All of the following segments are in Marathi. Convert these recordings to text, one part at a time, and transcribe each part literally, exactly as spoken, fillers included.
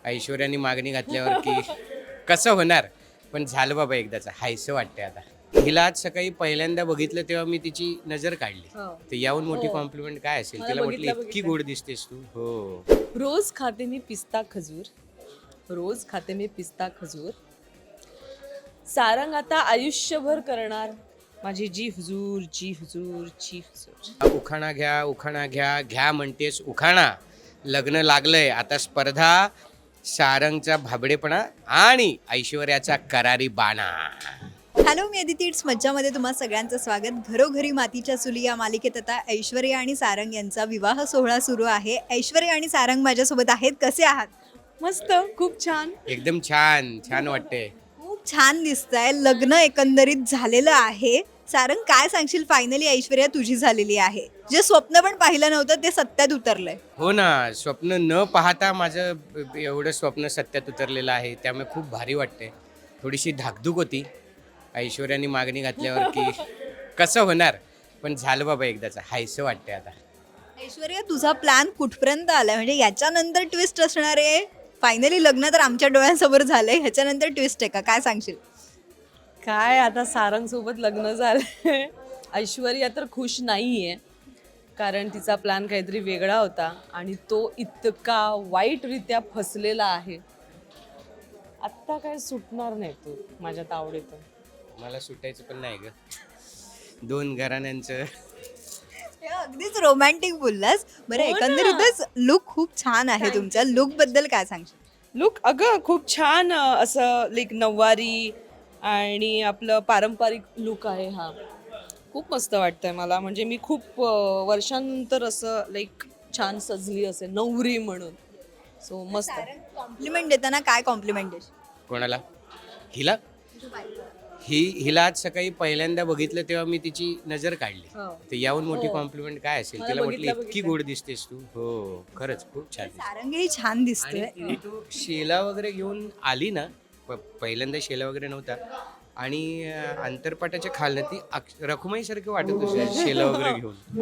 ऐश्वर्याने मागणी घातल्यावर की कसं होणार. पण झालं बाबा एकदाचं, हायसं वाटतंय आता. हिला आज सकाळी पहिल्यांदा बघितलं तेव्हा मी तिची नजर काढली. हो. तर याहून मोठी हो. कॉम्प्लिमेंट काय असेल. मला तिला म्हटलं बघितलं, इतकी बघितलं. गोड दिसतेस तू. हो. रोज खाते मी पिस्ता खजूर, रोज खाते मी पिस्ता खजूर. सारंग आता आयुष्यभर करणार माझी जी हुजूर, जी हुजूर, जी हुजूर. उखाणा घ्या, उखाणा घ्या, घ्या म्हणतेस उखाणा. लग्न लागलंय आता स्पर्धा, सारंगचा भाबडेपणा आणि ऐश्वर्याचा करारी बाणा. हॅलो, मी अदिती. इट्स मज्जामध्ये तुम्हा सगळ्यांचं स्वागत. घरोघरी मातीच्या चुली या मालिकेत आता ऐश्वर्या आणि सारंग यांचा विवाह सोहळा सुरू आहे. ऐश्वर्या आणि सारंग माझ्यासोबत आहेत. कसे आहात? मस्त, खूप छान. एकदम छान छान वाटते. खूप छान दिसतंय. लग्न एकंदरीत झालेलं आहे. सारंग, काय सांगशील? फायनली ऐश्वर्या तुझी झालेली आहे. जे स्वप्न पण पाहिलं नव्हतं ते सत्यात उतरलंय. हो ना, स्वप्न न पाहता माझं एवढं स्वप्न सत्यात उतरलेलं आहे. त्यामुळे खूप भारी वाटते. थोडीशी धाकधूक होती ऐश्वर्याने मागणी घातल्यावर की कसं होणार. पण झालं बाबा एकदाचं, हायसं वाटतंय आता. ऐश्वर्या, तुझा प्लॅन कुठपर्यंत आलाय? म्हणजे याच्यानंतर ट्विस्ट असणार आहे? फायनली लग्न तर आमच्या डोळ्यांसमोर झालंय, ह्याच्यानंतर ट्विस्ट आहे का? काय सांगशील? काय आता सारंग सोबत लग्न झालंय. ऐश्वर्या तर खुश नाहीये, कारण तिचा प्लॅन काहीतरी वेगळा होता आणि तो इतका वाईटरित्या फसलेला आहे. आत्ता काय सुटणार नाही तू माझ्या तावडीतून. मला सुटायचं पण नाही ग. दोन घराण्यांचं. हे अगदीच रोमॅन्टिक बोललास. बरं, हो ना. एकंदरीतच लुक खूप छान आहे तुमचा. लुक बद्दल काय सांगशील? लुक अगं खूप छान, अं, असं लाईक नऊवारी आणि आपलं पारंपरिक लुक आहे हा. खूप मस्त वाटतंय मला. म्हणजे मी खूप अं, वर्षांनंतर असं लाईक छान सजली असेल नवरी म्हणून. सो मस्त. कॉम्प्लिमेंट देताना काय कॉम्प्लिमेंट देशील? कोणाला? हिला ही हिला आज सकाळी पहिल्यांदा बघितलं तेव्हा मी तिची नजर काढली. हो. तर याहून मोठी हो. कॉम्प्लिमेंट काय असेल. मला तिला म्हटलं बघितलं, इतकी बघितलं. गोड दिसतेस तू. हो, खरंच खूप छान दिसते. सारंगही छान आणि दिसतोय. तिने तो शेला वगैरे घेऊन आली ना. प- पहिल्यांदा शेला वगैरे नव्हता आणि अं, अंतरपाटाच्या खालनं ती अक्ष- रखुमाई सारखं वाटत होती शेला वगैरे घेऊन.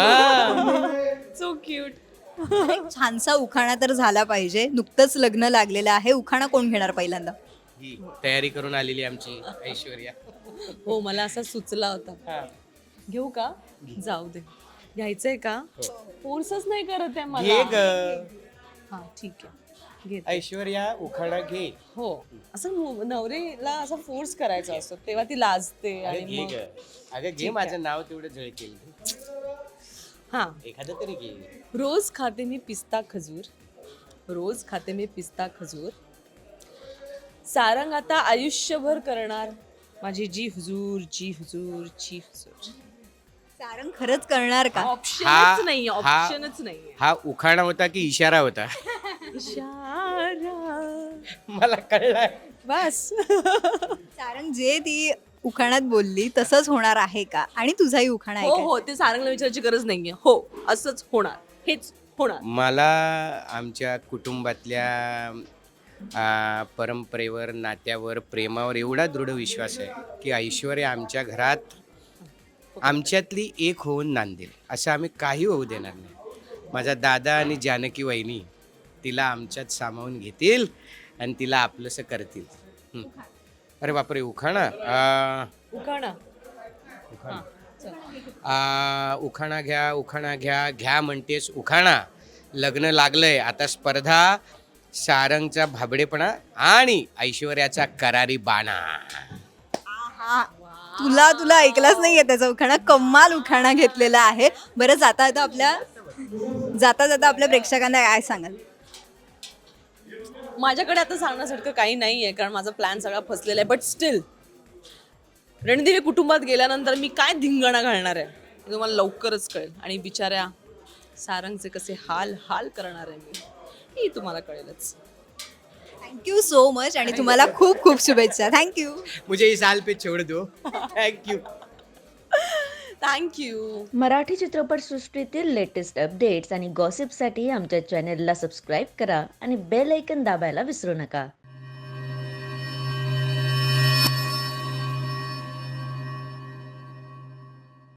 हा. So cute. एक छानसा उखाणा तर झाला पाहिजे. नुकतंच लग्न लागलेलं आहे. उखाणा कोण घेणार पहिल्यांदा? ही तयारी करून आलेली आमची ऐश्वर्या. हो, मला असा सुचला होता. हा. घेऊ का? जाऊ दे. घ्यायचंय का? फोर्सच नाही करत आहे घे मला. ग हा, ठीक आहे. घेते. ऐश्वर्या, उखाणा घे. हो, असं मु- नवरीला असं फोर्स करायचा असतो, तेव्हा ती लाजते. अगं आणि घे मग ग. अगं घे, ठीक माझं नाव तेवढं झळकेल. हा. एखादं तरी घे. रोज खाते मी पिस्ता खजूर, रोज खाते मी पिस्ता खजूर. सारंग आता आयुष्यभर करणार माझी जी हुजूर, जी हुजूर, जी हुजूर. सारंग खरंच करणार का? ऑप्शनच नाही, हा- ऑप्शनच नाही. हा उखाणा होता की इशारा होता? इशारा. मला कळलाय. बस. सारंग, जे ती उखाण्यात बोलली तसंच होणार आहे का? आणि तुझाही उखाणा हो ऐकायचा. हो, ते सारंगला विचारायची गरज नाहीये. हो, असंच होणार, हेच होणार. मला आमच्या कुटुंबातल्या आ, परंपरेवर, नात्यावर, प्रेमावर एवढा दृढ विश्वास आहे की ऐश्वर्या आमच्या घरात आमच्यातली एक होऊन नांदेल. असं आम्ही काही होऊ देणार नाही. माझा दादा आणि जानकी वहिनी तिला आमच्यात सामावून घेतील आणि तिला आपलंसं करतील. हं. अरे बापरे, उखाणा. आ, उखाणा. उखाणा. हा, चल. आ, उखाणा घ्या, उखाणा घ्या, घ्या म्हणतेस उखाणा. लग्न लागलंय आता स्पर्धा, सारंगचा भाबडेपणा आणि ऐश्वर्याचा करारी बाणा. आहा. तुला तुला ऐकलाच नाहीये त्याचा उखाणा. कमाल उखाणा घेतलेला आहे. बरं, जाता जाता आपल्या जाता जाता आपल्या प्रेक्षकांना काय सांगाल? माझ्याकडे आता सांगण्यासारखं काही नाही आहे, कारण माझा प्लॅन सगळा फसलेला आहे. बट स्टील रणदेवी कुटुंबात गेल्यानंतर मी काय धिंगाणा घालणार आहे हे तुम्हाला लवकरच कळेल. आणि बिचाऱ्या सारंगचे कसे हाल हाल करणार आहे मी, हे तुम्हाला कळेलच. थँक्यू सो मच आणि तुम्हाला खूप खूप शुभेच्छा. थँक्यू. मुझे इस हाल पे छोड़ दो. थँक्यू. थँक्यू. मराठी चित्रपटसृष्टीतील लेटेस्ट अपडेट्स आणि गॉसिपसाठी आमच्या चॅनेलला सबस्क्राईब करा आणि बेल ऐकन दाबायला विसरू नका.